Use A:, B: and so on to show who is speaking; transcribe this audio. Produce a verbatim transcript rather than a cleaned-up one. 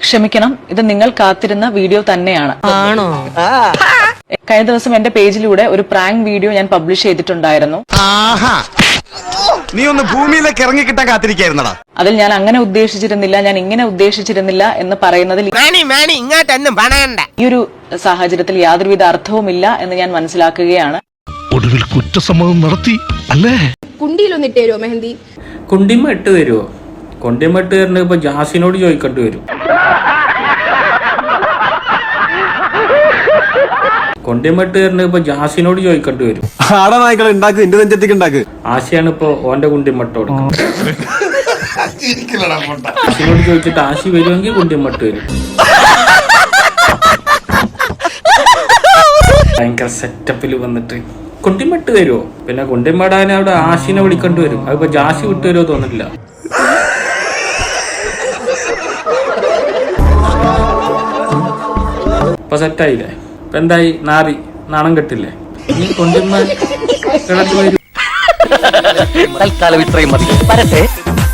A: ക്ഷമിക്കണം, ഇത് നിങ്ങൾ കാത്തിരുന്ന വീഡിയോ തന്നെയാണ്.
B: ആണോ?
A: കഴിഞ്ഞ ദിവസം എന്റെ പേജിലൂടെ ഒരു പ്രാങ്ക് വീഡിയോ ഞാൻ പബ്ലിഷ് ചെയ്തിട്ടുണ്ടായിരുന്നു.
C: നീ ഒന്ന് ഭൂമിയിലേക്ക് ഇറങ്ങിക്കിട്ടാൻ കാത്തിരിക്കായിരുന്നടാ.
A: അതിൽ ഞാൻ അങ്ങനെ ഉദ്ദേശിച്ചിരുന്നില്ല, ഞാൻ ഇങ്ങനെ ഉദ്ദേശിച്ചിരുന്നില്ല എന്ന് പറയുന്നതിൽ ഈ ഒരു സാഹചര്യത്തിൽ യാതൊരുവിധ അർത്ഥവുമില്ല എന്ന് ഞാൻ മനസ്സിലാക്കുകയാണ്.
D: ഒടുവിൽ കുറ്റസമ്മതം നടത്തി അല്ലേ?
E: കുണ്ടിയിലൊന്നിട്ട് തരുമോ മെഹന്തി?
F: കുണ്ടിമ ഇട്ട് തരുമോ? കുണ്ടിമ ഇട്ട് തരുന്നത് ഇപ്പൊ ജാസിനോട് ചോദിക്കേണ്ടി വരും. കൊണ്ടിമട്ട് തരുന്നത് ഇപ്പൊ ജാസിനോട് ചോദിക്കേണ്ടി വരും. ആശയാണ് ഇപ്പൊ ഓന്റെ കുണ്ടിമട്ട് കൊടുക്കുന്നത്. ആശിനോട് ചോദിച്ചിട്ട് ആശി വരുമെങ്കിൽ കുണ്ടിമട്ട് വരും. ഭയങ്കര സെറ്റപ്പിൽ വന്നിട്ട് കുണ്ടിമട്ട് തരുമോ? പിന്നെ കുണ്ടിമടാൻ അവിടെ ആശിനെ വിളിക്കേണ്ടി വരും. അതിപ്പോ ജാസി വിട്ടു തരുമോ തോന്നില്ല. ഇപ്പൊ സെറ്റായില്ലേ? ഇപ്പൊ എന്തായി? നാറി നാണം കെട്ടില്ലേ? നീ കൊണ്ടുവന്ന കിടന്നു വരും.
B: തൽക്കാലം ഇത്രയും മതി.